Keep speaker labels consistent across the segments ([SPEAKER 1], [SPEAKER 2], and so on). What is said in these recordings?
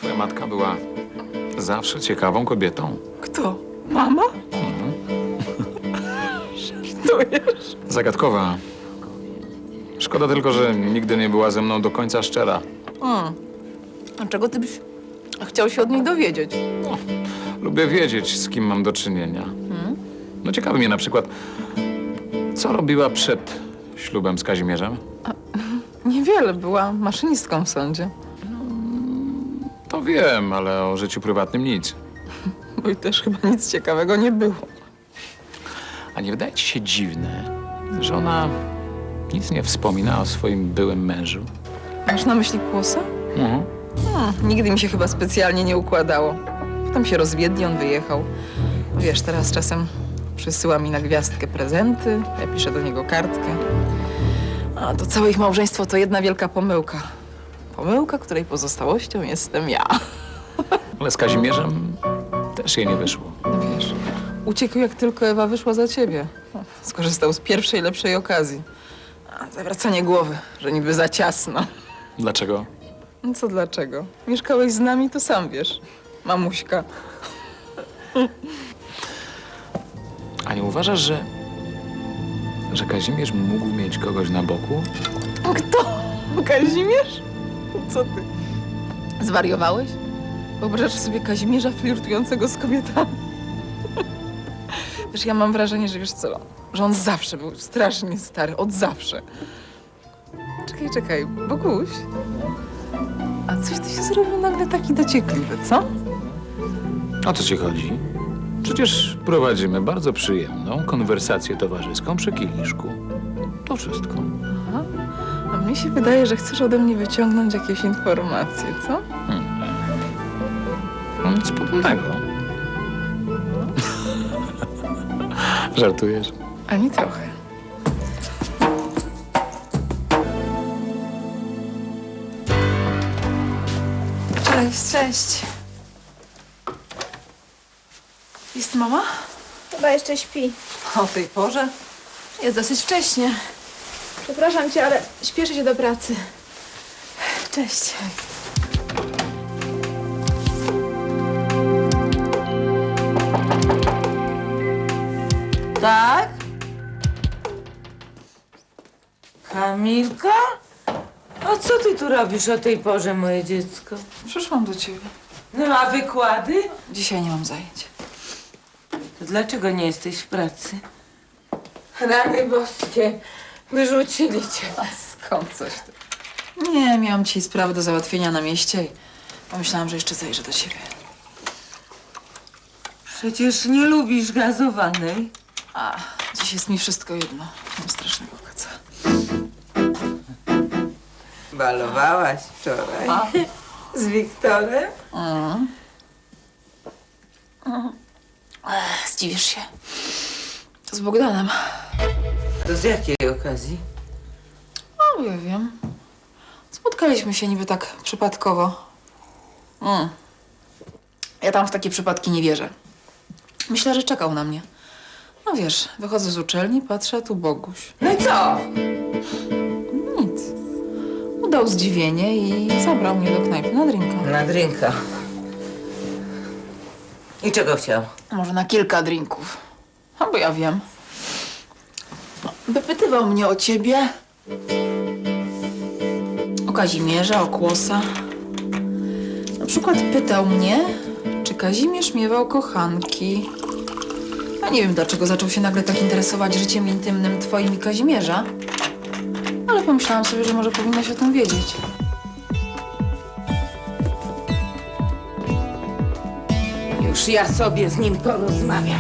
[SPEAKER 1] Twoja matka była zawsze ciekawą kobietą.
[SPEAKER 2] Kto? Mama? Żartujesz?
[SPEAKER 1] Zagadkowa. Szkoda tylko, że nigdy nie była ze mną do końca szczera.
[SPEAKER 2] A czego ty byś chciał się od niej dowiedzieć?
[SPEAKER 1] Lubię wiedzieć, z kim mam do czynienia. No ciekawi mnie na przykład, co robiła przed ślubem z Kazimierzem?
[SPEAKER 2] Niewiele, była maszynistką w sądzie.
[SPEAKER 1] To wiem, ale o życiu prywatnym nic.
[SPEAKER 2] Bo i też chyba nic ciekawego nie było.
[SPEAKER 1] A nie wydaje ci się dziwne, że ona nic nie wspomina o swoim byłym mężu?
[SPEAKER 2] Masz na myśli Kłosa? Nigdy mi się chyba specjalnie nie układało. Potem się rozwiedli, on wyjechał. Wiesz, teraz czasem przysyła mi na gwiazdkę prezenty, ja piszę do niego kartkę. A to całe ich małżeństwo to jedna wielka pomyłka. Pomyłka, której pozostałością jestem ja.
[SPEAKER 1] Ale z Kazimierzem też jej nie wyszło.
[SPEAKER 2] No wiesz, uciekł jak tylko Ewa wyszła za ciebie. Skorzystał z pierwszej, lepszej okazji. A zawracanie głowy, że niby za ciasno.
[SPEAKER 1] Dlaczego?
[SPEAKER 2] No co dlaczego? Mieszkałeś z nami, to sam wiesz. Mamuśka.
[SPEAKER 1] A nie uważasz, że Kazimierz mógł mieć kogoś na boku?
[SPEAKER 2] Kto? Kazimierz? Co ty? Zwariowałeś? Wyobrażasz sobie Kazimierza flirtującego z kobietami? Wiesz, ja mam wrażenie, że wiesz co, że on zawsze był strasznie stary, od zawsze. Czekaj, Boguś. A coś ty się zrobił nagle taki dociekliwy, co?
[SPEAKER 1] O co ci chodzi? Przecież prowadzimy bardzo przyjemną konwersację towarzyską przy kieliszku. To wszystko.
[SPEAKER 2] A mnie się wydaje, że chcesz ode mnie wyciągnąć jakieś informacje, co?
[SPEAKER 1] No nic podobnego. Żartujesz?
[SPEAKER 2] Ani trochę. Cześć. Jest mama?
[SPEAKER 3] Chyba jeszcze śpi.
[SPEAKER 2] O tej porze?
[SPEAKER 3] Jest dosyć wcześnie. Przepraszam cię, ale śpieszę się do pracy. Cześć.
[SPEAKER 4] Tak? Kamilka? A co ty tu robisz o tej porze, moje dziecko?
[SPEAKER 2] Przyszłam do ciebie.
[SPEAKER 4] No a wykłady?
[SPEAKER 2] Dzisiaj nie mam zajęć.
[SPEAKER 4] To dlaczego nie jesteś w pracy? Rany boskie, wyrzucili cię.
[SPEAKER 2] A skąd coś ty? Nie, miałam dzisiaj sprawy do załatwienia na mieście i pomyślałam, że jeszcze zajrzę do ciebie.
[SPEAKER 4] Przecież nie lubisz gazowanej.
[SPEAKER 2] A, dziś jest mi wszystko jedno. Mam strasznego kaca.
[SPEAKER 4] Balowałaś wczoraj. Z Wiktorem?
[SPEAKER 2] Zdziwisz się. To z Bogdanem.
[SPEAKER 4] To z jakiej okazji?
[SPEAKER 2] No, ja wiem. Spotkaliśmy się niby tak przypadkowo. Ja tam w takie przypadki nie wierzę. Myślę, że czekał na mnie. No wiesz, wychodzę z uczelni, patrzę, a tu Boguś.
[SPEAKER 4] No i co?
[SPEAKER 2] Nic. Udał zdziwienie i zabrał mnie do knajpy na drinka.
[SPEAKER 4] Na drinka. I czego chciał?
[SPEAKER 2] Może na kilka drinków. A bo ja wiem. No, wypytywał mnie o ciebie. O Kazimierza, o Kłosa. Na przykład pytał mnie, czy Kazimierz miewał kochanki. Ja nie wiem, dlaczego zaczął się nagle tak interesować życiem intymnym twoim i Kazimierza. Ale pomyślałam sobie, że może powinnaś o tym wiedzieć.
[SPEAKER 4] Już ja sobie z nim porozmawiam.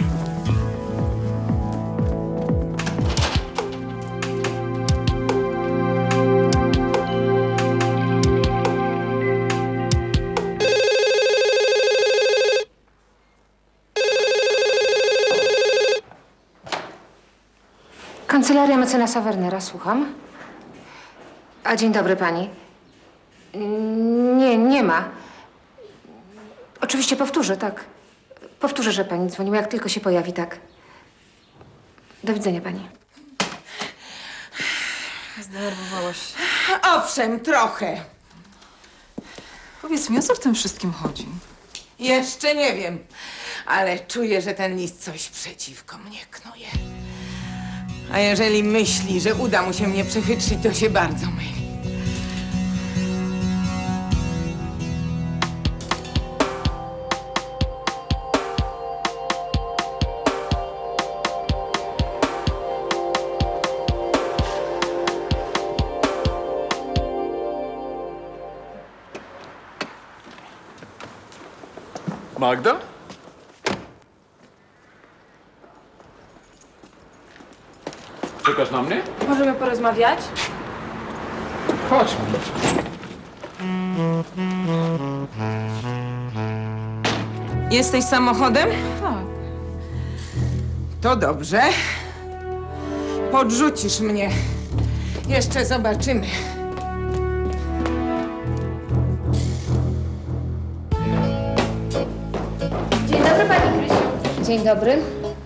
[SPEAKER 5] Kancelaria mecenasa Wernera, słucham. A dzień dobry pani. Nie ma. Oczywiście powtórzę, tak. Powtórzę, że pani dzwoniła, jak tylko się pojawi, tak. Do widzenia pani.
[SPEAKER 2] Zdenerwowałaś się.
[SPEAKER 4] Owszem, trochę.
[SPEAKER 2] Powiedz mi, o co w tym wszystkim chodzi?
[SPEAKER 4] Jeszcze nie wiem, ale czuję, że ten list coś przeciwko mnie knuje. A jeżeli myśli, że uda mu się mnie przechytrzyć, to się bardzo myli.
[SPEAKER 1] Magda? Czekasz na mnie?
[SPEAKER 3] Możemy porozmawiać?
[SPEAKER 1] Chodźmy.
[SPEAKER 4] Jesteś samochodem?
[SPEAKER 2] Tak.
[SPEAKER 4] To dobrze. Podrzucisz mnie. Jeszcze zobaczymy.
[SPEAKER 5] Dzień dobry, pani Krysiu. Dzień dobry.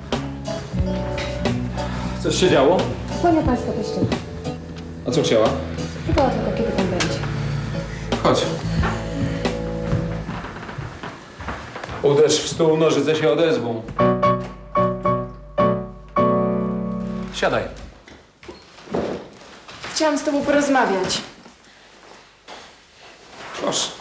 [SPEAKER 1] Coś się działo?
[SPEAKER 5] Kłania pańska teściowa.
[SPEAKER 1] A co chciała?
[SPEAKER 5] Pytała tylko, kiedy pan będzie.
[SPEAKER 1] Chodź. Uderz w stół, nożyce się odezwą. Siadaj.
[SPEAKER 3] Chciałam z tobą porozmawiać.
[SPEAKER 1] Proszę.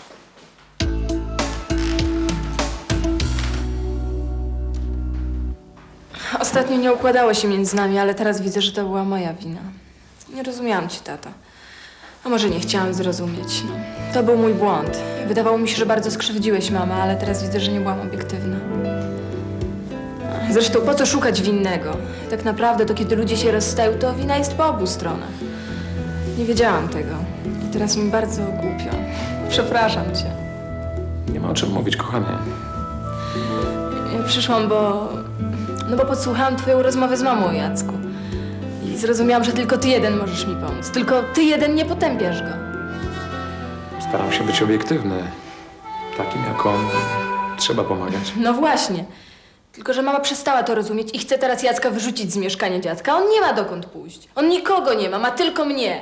[SPEAKER 3] Ostatnio nie układało się między nami, ale teraz widzę, że to była moja wina. Nie rozumiałam cię, tato. A może nie chciałam zrozumieć, no. To był mój błąd. Wydawało mi się, że bardzo skrzywdziłeś mamę, ale teraz widzę, że nie byłam obiektywna. Zresztą po co szukać winnego? Tak naprawdę to kiedy ludzie się rozstają, to wina jest po obu stronach. Nie wiedziałam tego. I teraz mi bardzo głupio. Przepraszam cię.
[SPEAKER 1] Nie ma o czym mówić, kochanie.
[SPEAKER 3] Ja przyszłam, bo podsłuchałam twoją rozmowę z mamą o Jacku. I zrozumiałam, że tylko ty jeden możesz mi pomóc. Tylko ty jeden nie potępiasz go.
[SPEAKER 1] Staram się być obiektywny. Takim jak on trzeba pomagać.
[SPEAKER 3] No właśnie. Tylko że mama przestała to rozumieć i chce teraz Jacka wyrzucić z mieszkania dziadka. On nie ma dokąd pójść. On nikogo nie ma, ma tylko mnie.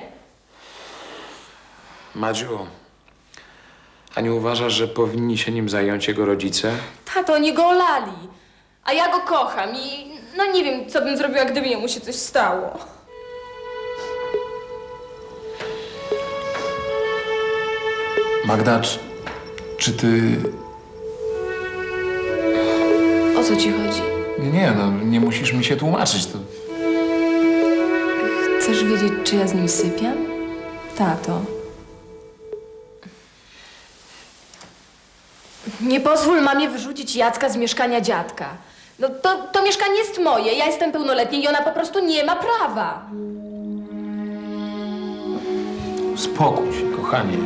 [SPEAKER 1] Madziu, a nie uważasz, że powinni się nim zająć jego rodzice?
[SPEAKER 3] Tato, oni go olali. A ja go kocham i no nie wiem, co bym zrobiła, gdyby jemu się coś stało.
[SPEAKER 1] Magda, czy ty...
[SPEAKER 3] O co ci chodzi?
[SPEAKER 1] Nie, no nie musisz mi się tłumaczyć. To...
[SPEAKER 3] Chcesz wiedzieć, czy ja z nim sypiam? Tato. Nie pozwól mamie wyrzucić Jacka z mieszkania dziadka. No to mieszkanie jest moje, ja jestem pełnoletnia i ona po prostu nie ma prawa.
[SPEAKER 1] Spokój się, kochanie.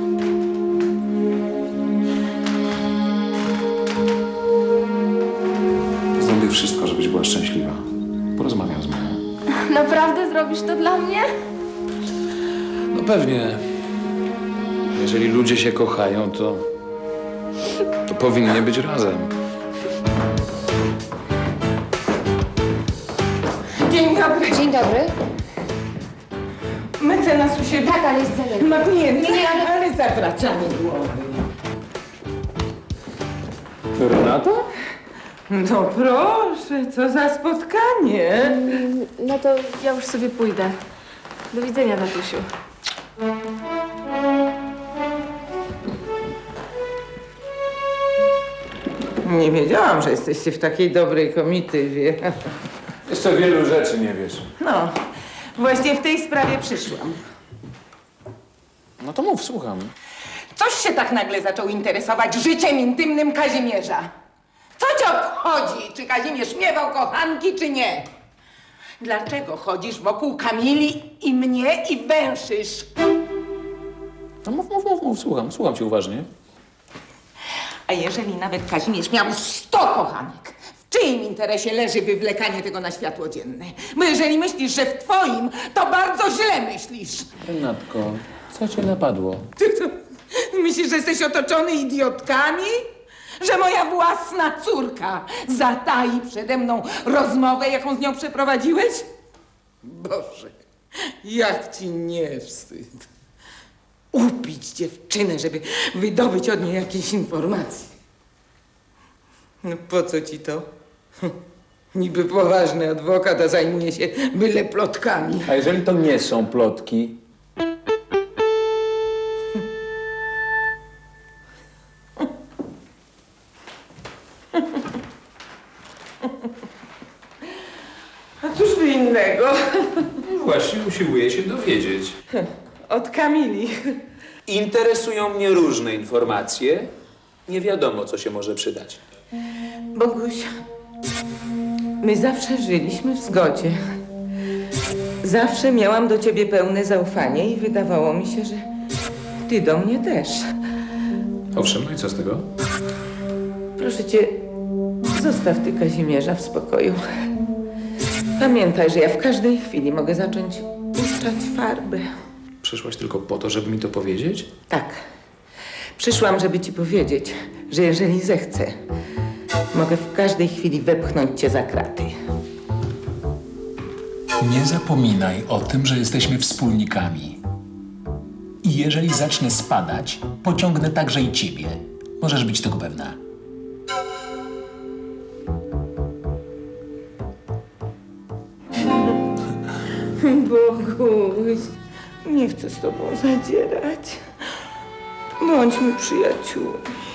[SPEAKER 1] Zrobię wszystko, żebyś była szczęśliwa. Porozmawiam z mamą.
[SPEAKER 3] Naprawdę zrobisz to dla mnie?
[SPEAKER 1] No pewnie. Jeżeli ludzie się kochają, to powinni być razem.
[SPEAKER 4] Dzień dobry.
[SPEAKER 5] Dzień dobry.
[SPEAKER 4] Mecenas u siebie.
[SPEAKER 5] Tak, ale jest zaległy.
[SPEAKER 4] Ma klienta,
[SPEAKER 5] Nie,
[SPEAKER 4] ale zawracamy głowy.
[SPEAKER 1] Renata?
[SPEAKER 4] No proszę, co za spotkanie.
[SPEAKER 3] No to ja już sobie pójdę. Do widzenia, tatusiu.
[SPEAKER 4] Nie wiedziałam, że jesteście w takiej dobrej komitywie.
[SPEAKER 1] Jeszcze wielu rzeczy nie wiesz.
[SPEAKER 4] No, właśnie w tej sprawie przyszłam.
[SPEAKER 1] No to mów, słucham.
[SPEAKER 4] Coś się tak nagle zaczął interesować życiem intymnym Kazimierza. Co cię obchodzi, czy Kazimierz miewał kochanki, czy nie? Dlaczego chodzisz wokół Kamili i mnie i węszysz?
[SPEAKER 1] No mów, słucham cię uważnie.
[SPEAKER 4] A jeżeli nawet Kazimierz miał 100 kochanek, w czyim interesie leży wywlekanie tego na światło dzienne? Bo jeżeli myślisz, że w twoim, to bardzo źle myślisz.
[SPEAKER 1] Renatko, co cię napadło?
[SPEAKER 4] Ty to myślisz, że jesteś otoczony idiotkami? Że moja własna córka zatai przede mną rozmowę, jaką z nią przeprowadziłeś? Boże, jak ci nie wstyd. upić dziewczynę, żeby wydobyć od niej jakieś informacje. No po co ci to? Niby poważny adwokat, a zajmuje się byle plotkami.
[SPEAKER 1] A jeżeli to nie są plotki?
[SPEAKER 4] A cóż by innego?
[SPEAKER 6] Właśnie usiłuję się dowiedzieć.
[SPEAKER 4] Od Kamili.
[SPEAKER 6] Interesują mnie różne informacje. Nie wiadomo, co się może przydać.
[SPEAKER 4] Boguś, my zawsze żyliśmy w zgodzie. Zawsze miałam do ciebie pełne zaufanie i wydawało mi się, że ty do mnie też.
[SPEAKER 1] Owszem, no i co z tego?
[SPEAKER 4] Proszę cię, zostaw ty Kazimierza w spokoju. Pamiętaj, że ja w każdej chwili mogę zacząć puszczać farby.
[SPEAKER 6] Przyszłaś tylko po to, żeby mi to powiedzieć?
[SPEAKER 4] Tak. Przyszłam, żeby ci powiedzieć, że jeżeli zechcę, mogę w każdej chwili wepchnąć cię za kraty.
[SPEAKER 7] Nie zapominaj o tym, że jesteśmy wspólnikami. I jeżeli zacznę spadać, pociągnę także i ciebie. Możesz być tego pewna.
[SPEAKER 4] Boguś, nie chcę z tobą zadzierać. Bądźmy przyjaciółmi.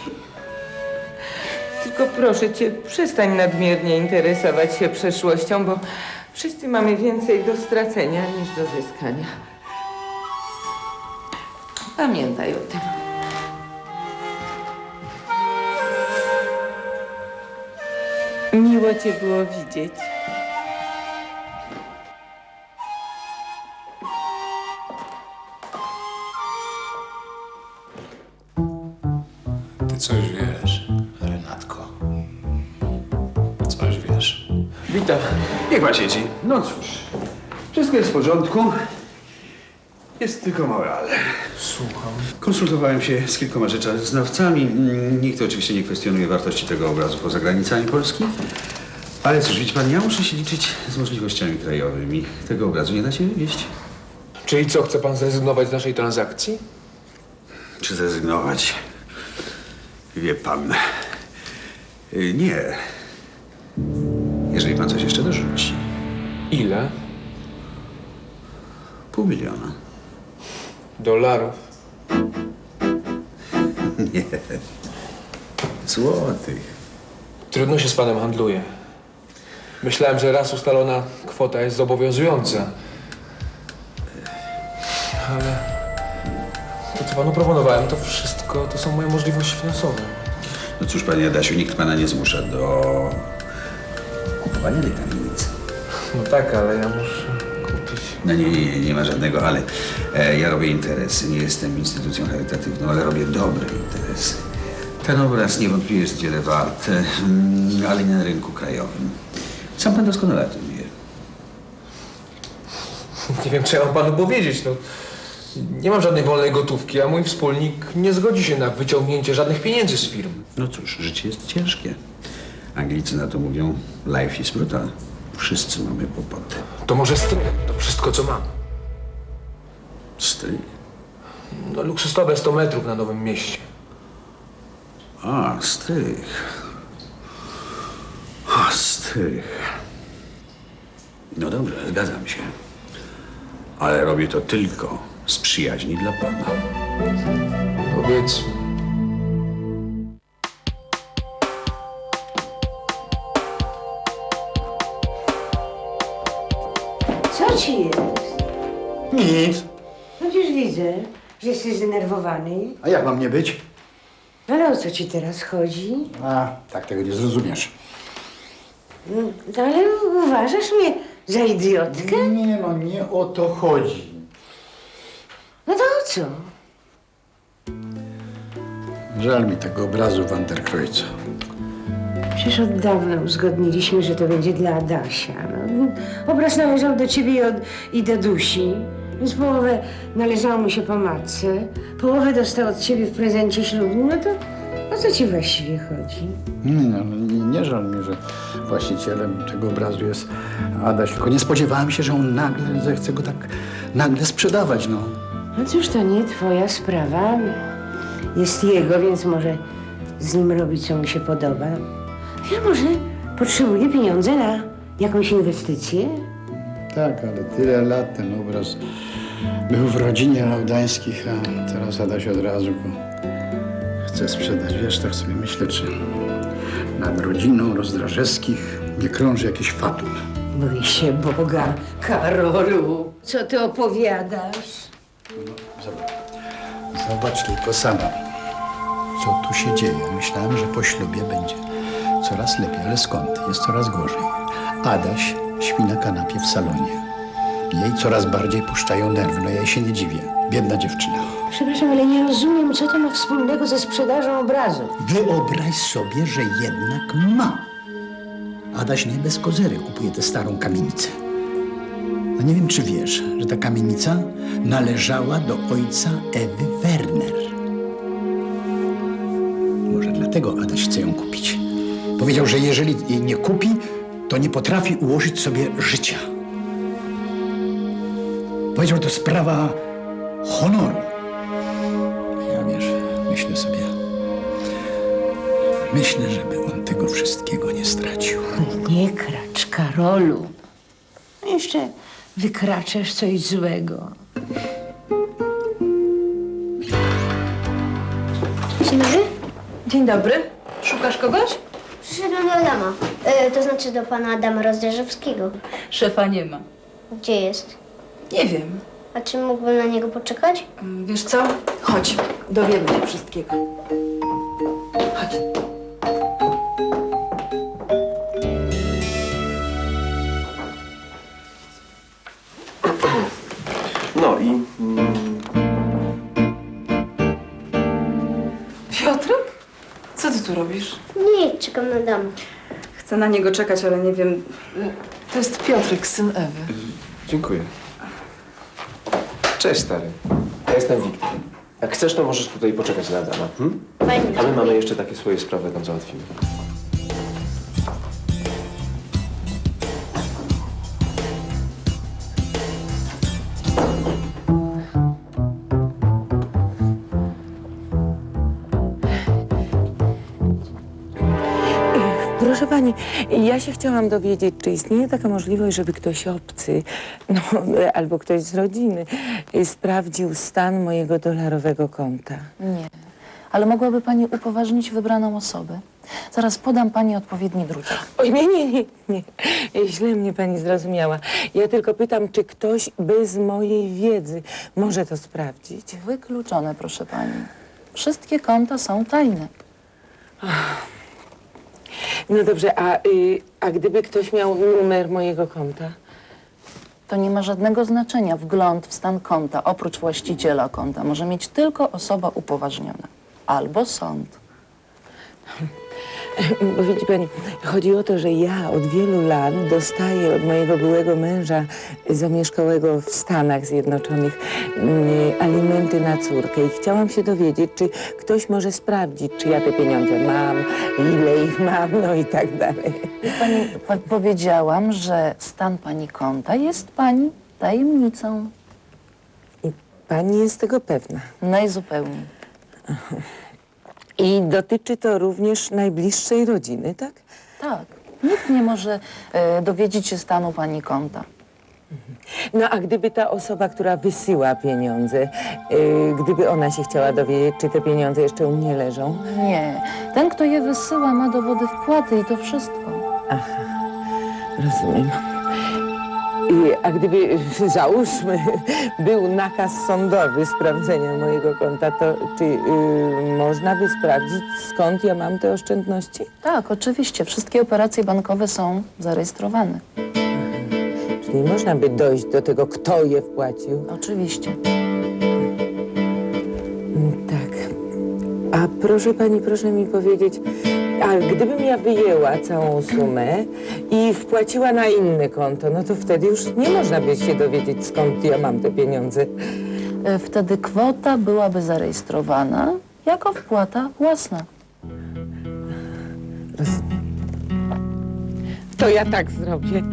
[SPEAKER 4] Tylko proszę cię, przestań nadmiernie interesować się przeszłością, bo wszyscy mamy więcej do stracenia niż do zyskania. Pamiętaj o tym. Miło cię było widzieć.
[SPEAKER 6] Ty coś wiesz, Renatko. Coś wiesz.
[SPEAKER 8] Witam.
[SPEAKER 6] Niech pan siedzi.
[SPEAKER 8] No cóż, wszystko jest w porządku. Jest tylko małe ale.
[SPEAKER 6] Słucham.
[SPEAKER 8] Konsultowałem się z kilkoma rzeczoznawcami. Nikt oczywiście nie kwestionuje wartości tego obrazu poza granicami Polski. Ale cóż, widzi pan, ja muszę się liczyć z możliwościami krajowymi. Tego obrazu nie da się wywieźć.
[SPEAKER 6] Czyli co, chce pan zrezygnować z naszej transakcji?
[SPEAKER 8] Czy zrezygnować? Wie pan. Nie. Jeżeli pan coś jeszcze dorzuci.
[SPEAKER 6] Ile?
[SPEAKER 8] $500 000.
[SPEAKER 6] Dolarów.
[SPEAKER 8] Nie. Złotych.
[SPEAKER 6] Trudno się z panem handluje. Myślałem, że raz ustalona kwota jest zobowiązująca. Ale to, co panu proponowałem, to wszystko to są moje możliwości finansowe.
[SPEAKER 8] No cóż, panie Adasiu, nikt pana nie zmusza do kupowania tej kamienicy.
[SPEAKER 6] No tak, ale ja muszę kupić.
[SPEAKER 8] No nie ma żadnego ale. Ja robię interesy, nie jestem instytucją charytatywną, ale robię dobre interesy. Ten obraz niewątpliwie jest wiele wart, ale nie na rynku krajowym. Sam pan doskonale o tym wie.
[SPEAKER 6] Nie wiem, co ja mam panu powiedzieć. No, nie mam żadnej wolnej gotówki, a mój wspólnik nie zgodzi się na wyciągnięcie żadnych pieniędzy z firm.
[SPEAKER 8] No cóż, życie jest ciężkie. Anglicy na to mówią life is brutal. Wszyscy mamy kłopoty.
[SPEAKER 6] To może strych, to wszystko, co mam.
[SPEAKER 8] Strych.
[SPEAKER 6] No, luksusowe 100 metrów na Nowym Mieście.
[SPEAKER 8] A, strych. O, strych. No dobrze, zgadzam się. Ale robię to tylko z przyjaźni dla pana.
[SPEAKER 6] Powiedzmy.
[SPEAKER 9] Co ci jest?
[SPEAKER 10] Nic.
[SPEAKER 9] Przecież widzę, że jesteś zdenerwowany.
[SPEAKER 10] A jak mam nie być?
[SPEAKER 9] Ale o co ci teraz chodzi?
[SPEAKER 10] A, tak tego nie zrozumiesz.
[SPEAKER 9] No, ale uważasz mnie za idiotkę?
[SPEAKER 10] Nie, no nie o to chodzi.
[SPEAKER 9] No to o co?
[SPEAKER 10] Żal mi tego obrazu Van der Kreuza.
[SPEAKER 9] Przecież od dawna uzgodniliśmy, że to będzie dla Adasia. No, obraz należał do ciebie i do Dusi, więc połowę należało mu się po matce, połowę dostał od ciebie w prezencie ślubnym. No to o co ci właściwie chodzi?
[SPEAKER 10] Nie żal mi, że właścicielem tego obrazu jest Adaś, tylko nie spodziewałem się, że on nagle zechce go tak nagle sprzedawać, no.
[SPEAKER 9] No cóż, to nie twoja sprawa. Jest jego, więc może z nim robić, co mu się podoba. Ja może potrzebuje pieniądze na jakąś inwestycję?
[SPEAKER 10] Tak, ale tyle lat ten obraz był w rodzinie Laudańskich, a teraz Adaś od razu go chce sprzedać. Wiesz, tak sobie myślę, czy nad rodziną Rozdrażewskich nie krąży jakiś fatum.
[SPEAKER 9] Bój się Boga, Karolu. Co ty opowiadasz?
[SPEAKER 10] Zobacz tylko sama, co tu się dzieje. Myślałem, że po ślubie będzie coraz lepiej, ale skąd? Jest coraz gorzej. Adaś śpi na kanapie w salonie. Jej coraz bardziej puszczają nerwy, no ja jej się nie dziwię. Biedna dziewczyna.
[SPEAKER 9] Przepraszam, ale nie rozumiem, co to ma wspólnego ze sprzedażą obrazu.
[SPEAKER 10] Wyobraź sobie, że jednak ma. Adaś nie bez kozery kupuje tę starą kamienicę. No nie wiem, czy wiesz, że ta kamienica należała do ojca Ewy Werner. Może dlatego Adaś chce ją kupić. Powiedział, że jeżeli jej nie kupi, to nie potrafi ułożyć sobie życia. Powiedział, to sprawa honoru. Ja wiesz, myślę, żeby on tego wszystkiego nie stracił.
[SPEAKER 9] Nie kracz, Karolu. Jeszcze wykraczesz coś złego.
[SPEAKER 5] Dzień dobry.
[SPEAKER 2] Dzień dobry. Szukasz kogoś?
[SPEAKER 5] Przyszedłem do Adama. To znaczy do pana Adama Rozdrażewskiego.
[SPEAKER 2] Szefa nie ma.
[SPEAKER 5] Gdzie jest?
[SPEAKER 2] Nie wiem.
[SPEAKER 5] A czy mógłbym na niego poczekać?
[SPEAKER 2] Wiesz co? Chodź, dowiemy się wszystkiego. Chodź.
[SPEAKER 11] No i...
[SPEAKER 2] Piotrek? Co ty tu robisz?
[SPEAKER 5] Nie, czekam na Adama.
[SPEAKER 2] Chcę na niego czekać, ale nie wiem. To jest Piotrek, syn Ewy.
[SPEAKER 11] Dziękuję. Cześć, stary. Ja jestem Wiktor. Jak chcesz, to możesz tutaj poczekać na Adama.
[SPEAKER 5] Fajnie.
[SPEAKER 11] A my mamy jeszcze takie swoje sprawy, tam załatwimy.
[SPEAKER 12] Proszę pani, ja się chciałam dowiedzieć, czy istnieje taka możliwość, żeby ktoś obcy, no, albo ktoś z rodziny sprawdził stan mojego dolarowego konta.
[SPEAKER 13] Nie, ale mogłaby pani upoważnić wybraną osobę. Zaraz podam pani odpowiedni druczek.
[SPEAKER 12] Oj, nie. Źle mnie pani zrozumiała. Ja tylko pytam, czy ktoś bez mojej wiedzy może to sprawdzić.
[SPEAKER 13] Wykluczone, proszę pani. Wszystkie konta są tajne.
[SPEAKER 12] No dobrze, a gdyby ktoś miał numer mojego konta?
[SPEAKER 13] To nie ma żadnego znaczenia. Wgląd w stan konta, oprócz właściciela konta, może mieć tylko osoba upoważniona. Albo sąd.
[SPEAKER 12] Bo widzi pani, chodzi o to, że ja od wielu lat dostaję od mojego byłego męża zamieszkałego w Stanach Zjednoczonych alimenty na córkę i chciałam się dowiedzieć, czy ktoś może sprawdzić, czy ja te pieniądze mam, ile ich mam, no i tak dalej.
[SPEAKER 13] Pani, powiedziałam, że stan pani konta jest pani tajemnicą.
[SPEAKER 12] I pani jest tego pewna?
[SPEAKER 13] Najzupełniej.
[SPEAKER 12] I dotyczy to również najbliższej rodziny, tak?
[SPEAKER 13] Tak. Nikt nie może dowiedzieć się stanu pani konta.
[SPEAKER 12] No a gdyby ta osoba, która wysyła pieniądze, gdyby ona się chciała dowiedzieć, czy te pieniądze jeszcze u mnie leżą?
[SPEAKER 13] Nie. Ten, kto je wysyła, ma dowody wpłaty i to wszystko.
[SPEAKER 12] Aha, rozumiem. A gdyby, załóżmy, był nakaz sądowy sprawdzenia mojego konta, to czy można by sprawdzić, skąd ja mam te oszczędności?
[SPEAKER 13] Tak, oczywiście. Wszystkie operacje bankowe są zarejestrowane.
[SPEAKER 12] Czyli można by dojść do tego, kto je wpłacił?
[SPEAKER 13] Oczywiście.
[SPEAKER 12] Tak. A proszę pani, proszę mi powiedzieć, a gdybym ja wyjęła całą sumę i wpłaciła na inne konto, no to wtedy już nie można by się dowiedzieć, skąd ja mam te pieniądze.
[SPEAKER 13] Wtedy kwota byłaby zarejestrowana jako wpłata własna.
[SPEAKER 12] Rozumiem. To ja tak zrobię.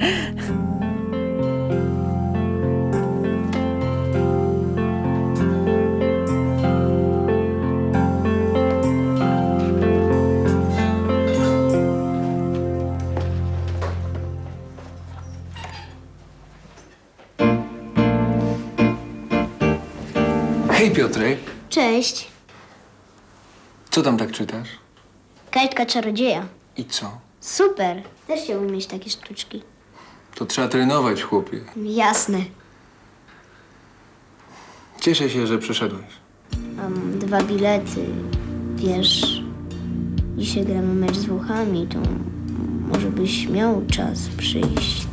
[SPEAKER 6] Hej Piotrek,
[SPEAKER 14] Cześć.
[SPEAKER 6] co tam tak czytasz?
[SPEAKER 14] Kajtka czarodzieja.
[SPEAKER 6] I co?
[SPEAKER 14] Super. Też chciałbym mieć takie sztuczki.
[SPEAKER 6] To trzeba trenować, chłopie.
[SPEAKER 14] Jasne.
[SPEAKER 6] Cieszę się, że przyszedłeś.
[SPEAKER 14] Mam 2 bilety. Wiesz, dzisiaj gramy mecz z Włochami, to może byś miał czas przyjść.